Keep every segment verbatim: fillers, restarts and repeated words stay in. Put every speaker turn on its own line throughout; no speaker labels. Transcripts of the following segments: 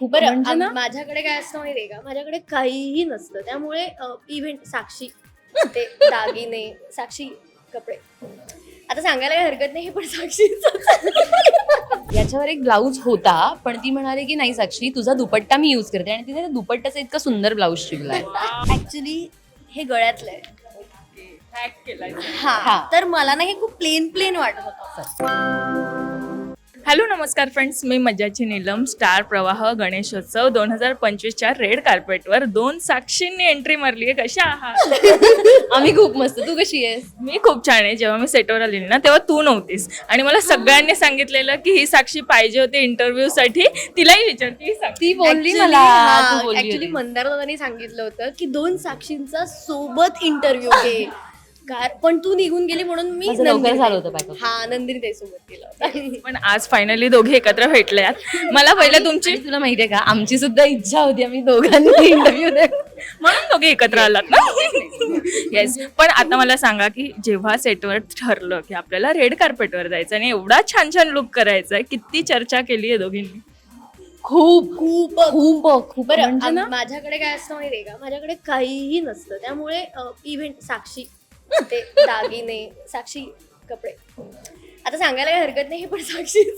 खूप
बरं
म्हणजे
आम-
ना
माझ्याकडे काय असतं माहिती आहे का, माझ्याकडे काहीही नसतं. त्यामुळे इव्हेंट साक्षी ते दागिने, साक्षी कपडे, आता सांगायला काही हरकत नाही, हे पण साक्षीच
याच्यावर एक ब्लाऊज होता, पण ती म्हणाली की नाही साक्षी तुझा दुपट्टा मी यूज करते, आणि तिने त्या दुपट्ट्याचा इतका सुंदर ब्लाऊज शिवलाय.
ऍक्च्युली हे गळ्यातलं आहे.
हा.
हा तर मला ना हे खूप प्लेन प्लेन वाटत होतं.
हॅलो नमस्कार फ्रेंड्स, मी मज्जाची नीलम. स्टार प्रवाह गणेशोत्सव दोन हजार पंचवीसच्या रेड कार्पेटवर दोन साक्षींनी एंट्री मारली आहे. कशा आहात?
आम्ही खूप मस्त. तू कशी आहेस?
मी खूप छान आहे. जेव्हा मी सेटवर आलेली ना तेव्हा तू नव्हतीस आणि मला सगळ्यांनी सांगितलेलं की ही साक्षी पाहिजे होती इंटरव्ह्यू साठी. तिलाही विचारते, ही साक्षी
ती बोलली
Actually,
मला
हा,
तू बोलली
actually
होती.
मंदार दादांनी सांगितलं होतं की दोन साक्षींचा सोबत इंटरव्ह्यू घे. कार- पण तू निघून गेली म्हणून मी
माझं लवकर
नंदिनी
झालं
ताई-
होतं backup.
हा नंदिनी ताई सोबत केलं होतं.
पण आज फायनली दोघे एकत्र भेटल्यात. मला पहिलं तुमची
आणि तुला माहितीये का, आमची सुद्धा इच्छा होती आम्ही दोघांनी इंटरव्ह्यू दे.
म्हणून दोघे एकत्र आलात ना. येस. पण आता मला सांगा की जेव्हा सेटवर ठरलं की आपल्याला रेड कार्पेटवर जायचं आणि एवढा छान छान लुक करायचा आहे, किती चर्चा केली आहे दोघींनी?
खूप
खूप
खूप खूप
बरं
म्हणजे
आम-
ना
माझ्याकडे काय असतं माहितीये का, माझ्याकडे काहीही नसतं. त्यामुळे इव्हेंट साक्षी ते दागिने, साक्षी कपडे, आता सांगायला काही हरकत नाही, हे पण साक्षीच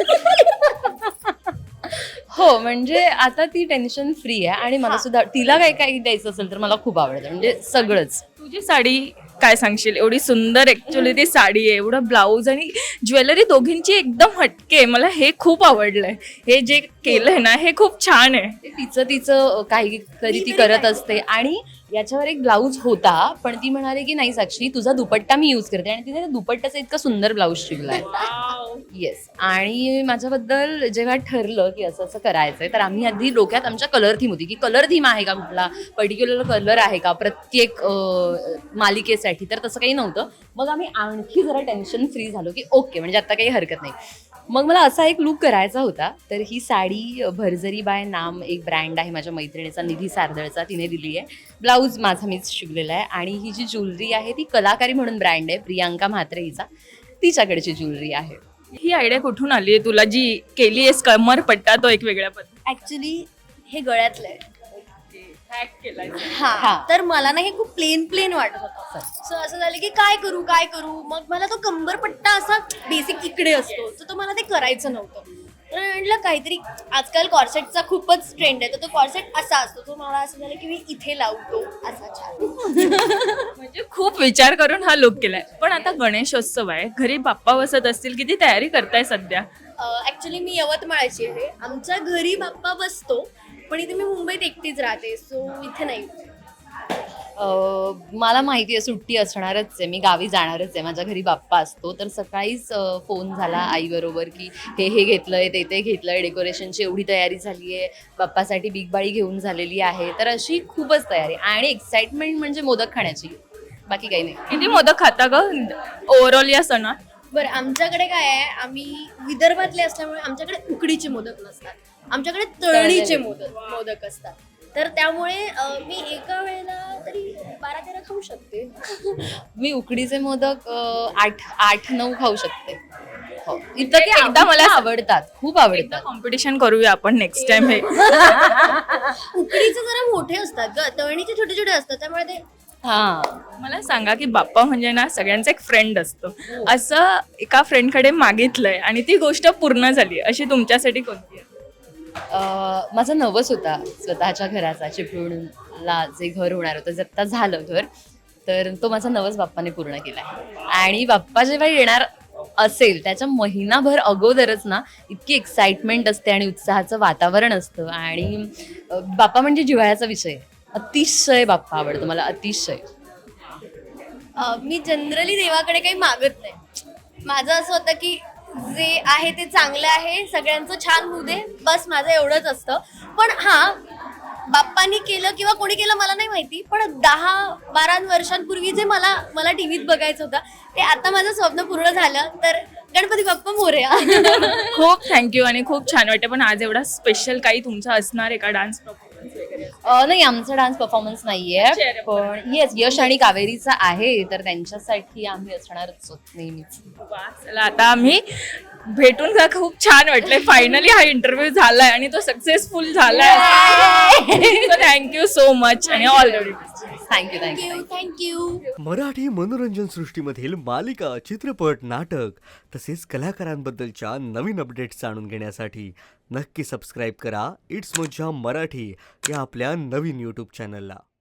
हो, म्हणजे आता ती टेन्शन फ्री आहे आणि मला
हा.
सुद्धा तिला काय काही द्यायचं असेल तर मला खूप आवडतं, म्हणजे सगळंच.
तुझी साडी काय सांगशील? एवढी सुंदर ऍक्च्युली ती साडी आहे, एवढं ब्लाऊज आणि ज्वेलरी दोघींची एकदम हटके आहे. मला हे खूप आवडलंय. हे जे केलंय ना हे खूप छान आहे.
ते तिचं तिचं काही तरी ती करत असते. आणि याच्यावर एक ब्लाऊज होता, पण ती म्हणाली की नाही साक्षी तुझा दुपट्टा मी यूज करते, आणि तिने त्या दुपट्ट्याचा इतका सुंदर ब्लाऊज शिवलाय. येस. आणि माझ्याबद्दल जेव्हा ठरलं की असं असं करायचंय, तर आम्ही आधी डोक्यात आमच्या कलर थीम होती की कलर थीम आहे का, कुठला पर्टिक्युलर कलर आहे का प्रत्येक अं, मालिकेसाठी. तर तसं काही नव्हतं. मग आम्ही आणखी जरा टेन्शन फ्री झालो की ओके, म्हणजे आता काही हरकत नाही. मग मला असा एक लुक करायचा होता. तर ही साडी भरजरी बाय नाम एक ब्रँड आहे माझ्या मैत्रिणीचा, निधी सारदळचा, तिने दिली आहे. ब्लाऊज माझा मीच शिवलेला आहे. आणि ही जी ज्वेलरी आहे ती कलाकारी म्हणून ब्रँड आहे, प्रियांका म्हात्रे हिचा, तिच्याकडची ज्वेलरी आहे.
ही आयडिया कुठून आली आहे तुला, जी केली आहेस कमर पट्टा तो एक वेगळ्या पद्धतीने?
ऍक्च्युली हे गळ्यातलं आहे.
हॅक केलाय.
हा
हा.
तर मला ना हे खूप प्लेन प्लेन वाटत होतं. सो असं झालं की काय करू काय करू, मग मला तो कंबरपट्टा असा बेसिक इकडे असतो, तर तो मला ते करायचं नव्हतं. तर म्हटलं काहीतरी, आजकाल कॉर्सेटचा खूपच ट्रेंड आहे, तर तो कॉर्सेट असा असतो, तो मला असं झालं की मी इथे लावतो असा छान.
म्हणजे खूप विचार करून हा लुक केलाय. पण आता गणेशोत्सव आहे, घरी बाप्पा बसत असतील, किती तयारी करताय सध्या?
ऍक्च्युली मी यवतमाळची आहे. आमच्या घरी बाप्पा बसतो, पण इथे मी मुंबईत एकटीच राहते, सो इथे नाही.
अं, मला माहिती आहे सुट्टी असणारच आहे, मी गावी जाणारच आहे, माझ्या घरी बाप्पा असतो. तर सकाळीच फोन झाला आईबरोबर की हे हे घेतलंय, ते ते घेतलंय, डेकोरेशनची एवढी तयारी झाली आहे, बाप्पासाठी बिग बाळी घेऊन झालेली आहे. तर अशी खूपच तयारी आणि एक्साइटमेंट म्हणजे मोदक खाण्याची, बाकी काही नाही.
किती मोदक खाता ग ओव्हरऑल या सणात?
बरं आमच्याकडे काय आहे, आम्ही विदर्भातले असल्यामुळे आमच्याकडे उकडीचे मोदक नसतात, आमच्याकडे तळणीचे मोदक मोदक असतात. तर त्यामुळे अं, मी एका वेळेला तरी बारा तेरा खाऊ शकते.
मी उकडीचे मोदक अं, आठ आठ नऊ खाऊ शकते. हो, इतकं ते
एकदा
एकदा
मला
मला आवडतात, खूप आवडतात.
कॉम्पिटिशन करूया आपण नेक्स्ट टाइम. हे
उकडीचे जरा मोठे असतात ग, तळणीचे छोटे छोटे असतात, त्यामुळे ते
हा.
मला सांगा की बाप्पा म्हणजे ना सगळ्यांचा एक फ्रेंड असतो. असं एका फ्रेंडकडे मागितलंय आणि ती गोष्ट पूर्ण झाली, अशी तुमच्यासाठी कोणती आहे?
अं, माझा नवस होता स्वतःच्या घराचा, चिपळूणला जे घर होणार होतं, जे आत्ता झालं घर, तर तो माझा नवस बाप्पाने पूर्ण केलाय. आणि बाप्पा जेव्हा येणार असेल त्याच्या महिनाभर अगोदरच ना इतकी एक्साइटमेंट असते आणि उत्साहाचं वातावरण असतं. आणि अं, बाप्पा म्हणजे जिव्हाळ्याचा विषय, अतिशय बाप्पा आवडतो मला, अतिशय.
अं, मी जनरली देवाकडे काही मागत नाही. माझं असं होतं की जे आहे ते चांगलं आहे, सगळ्यांचं छान होऊ दे, बस माझं एवढंच असतं. पण हा, बाप्पानी केलं किंवा कोणी केलं मला नाही माहिती, पण दहा बारा वर्षांपूर्वी जे मला मला टीव्हीत बघायचं होतं, ते आता माझं स्वप्न पूर्ण झालं. तर गणपती बाप्पा मोरया.
खूप थँक्यू आणि खूप छान वाटतं. पण आज एवढा स्पेशल काही तुमचा असणार आहे का, डान्स परफॉर्मन्स वगैरे?
अं, नाही, आमचा डान्स परफॉर्मन्स नाहीये,
Cheer up.
पण येस यश आणि कावेरीचा आहे, तर त्यांच्यासाठी आम्ही असणारच आहोत नेहमीच.
वा, चला आता आम्ही भेटून का खूप छान वाटलंय. फायनली हा इंटरव्ह्यू झालाय आणि तो सक्सेसफुल झालाय. थँक्यू सो मच आणि all the best.
Thank you thank you
thank you thank you.
Marathi मनोरंजन सृष्टीमधील मालिका, चित्रपट, नाटक तसेच कलाकारांबद्दलच्या नवीन अपडेट्स जाणून घेण्यासाठी नक्की सबस्क्राईब करा इट्स मज्जा मराठी या आपल्या नवीन यूट्यूब चॅनलला.